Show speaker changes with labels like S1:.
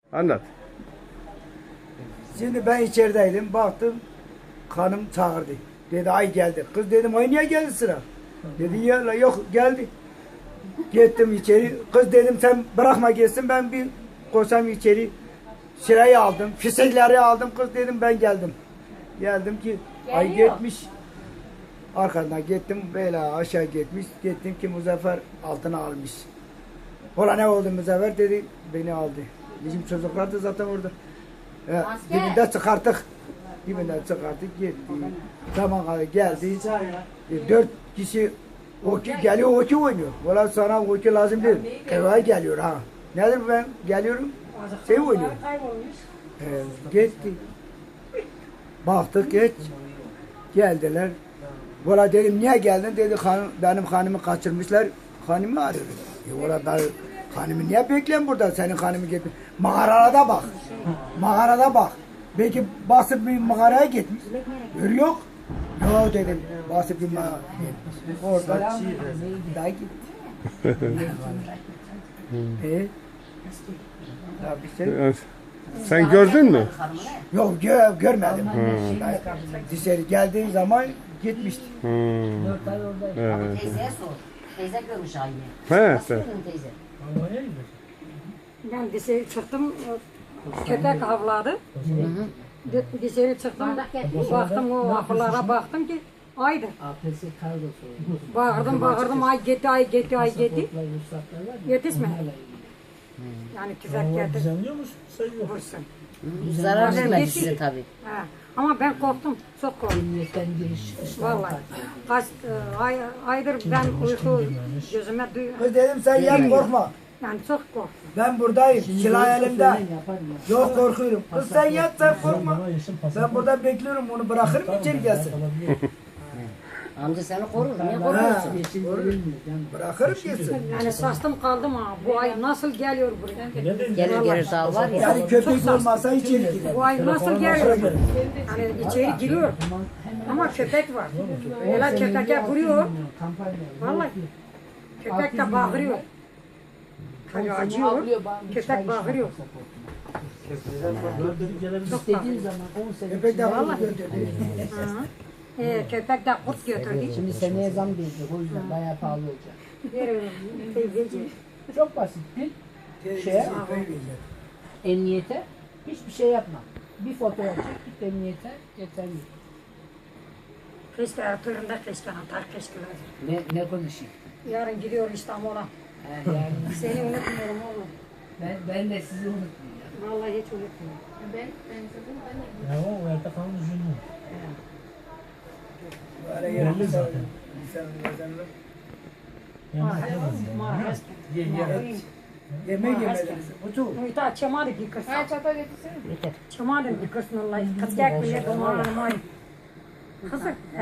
S1: Anlat.
S2: Şimdi ben içerideydim, baktım hanım çağırdı. Dedi ay geldi. Kız dedim ay niye geldi sıra? Dedi ya yok geldi. Gittim içeri. Kız dedim sen bırakma gelsin ben bir koşam içeri. Sırayı aldım, fişekleri aldım. Kız dedim ben geldim. Geldim ki ay gitmiş. Arkadan gittim böyle aşağı gitmiş. Gittim ki Muzaffer altına almış. Ola ne oldu Muzaffer dedi beni aldı. Bizim çocuklar da zaten orada. Dibinde çıkarttık. Dibinden çıkarttık gitti. Zaman geldi. 4 kişi hoki geliyor hoki oynuyor. Valla sana hoki lazım değil. Eve geliyor ha. Nedir ben geliyorum şey oynuyor. Gitti. Baktık geç. Geldiler. Valla dedim niye geldin dedi benim hanımı kaçırmışlar. Hanımı arıyor. Valla ben hanımı niye bekleyin burada senin hanımı gitmiş. Mağarada bak. Mağarada bak. Belki basıp bir mağaraya gitmiş. Görüyor yok. Yok dedim. Basıp bir mağaraya gitmiş. Orada daha gitti. Ya bir şey.
S1: Sen gördün mü?
S2: Yok görmedim. Dışarı geldiği zaman gitmişti.
S3: Ama teyzeye sor. Teyze görmüş aynı.
S1: He,
S3: Nasıl
S1: sen.
S3: gördün teyze?
S4: Ben dışarı çıktım, köpek avladı. Dışarı çıktım, baktım o ahırlara baktım ki aydır. Bağırdım, ay gitti. Yetişmedi. Yani tüfek getir, vursun.
S3: Zarar
S4: Bazen
S3: vermedi
S4: geçti.
S3: size tabii.
S4: Ha. Ama ben korktum, çok korktum. Vallahi. Kaç aydır ben uyku gözüme
S2: Kız dedim sen yat korkma.
S4: yani çok korktum.
S2: Ben buradayım. Silah elimde. Yok korkuyorum. Kız sen yat sen korkma. Ben burada bekliyorum onu bırakırım içeri gelsin.
S3: Amca seni korur. Niye korkuyorsun?
S2: Bırakırım gelsin.
S4: Yani şaştım kaldım ha. Bu ay nasıl geliyor buraya?
S3: Gelir daha var ya.
S2: Yani köpek olmasa içeri gider.
S4: Bu ay nasıl geliyor? Yani içeri giriyor. Ama köpek var. Öyle köpeke vuruyor. Vallahi. Köpek de bağırıyor. Hani acıyor. Köpek bağırıyor. Çok bağırıyor.
S2: Köpek de bunu götürdü.
S4: Köpek de kurt götürdü.
S5: Şimdi seneye zam gelecek o yüzden bayağı pahalı olacak.
S4: Teyzeciğim.
S5: Çok basit şeye, emniyete hiçbir şey yapma. Bir fotoğraf çek git emniyete yeterli.
S4: Keşke Ertuğrul'da keşke atar keşke.
S5: Ne konuşayım?
S4: Yarın gidiyor İstanbul'a.
S5: Yani
S4: Seni unutmuyorum oğlum.
S5: ben de sizi unutmayacağım.
S4: Vallahi hiç unutmuyorum.
S6: Ya o Erta falan üzüldü.
S2: Böyle yerinde insanın yazanlar. Yemek yemeleri. Otur.
S4: Muhtar çamadı bir kız. Çamadı bir kız. Vallahi. Kaçacak bile domağı. Kızı.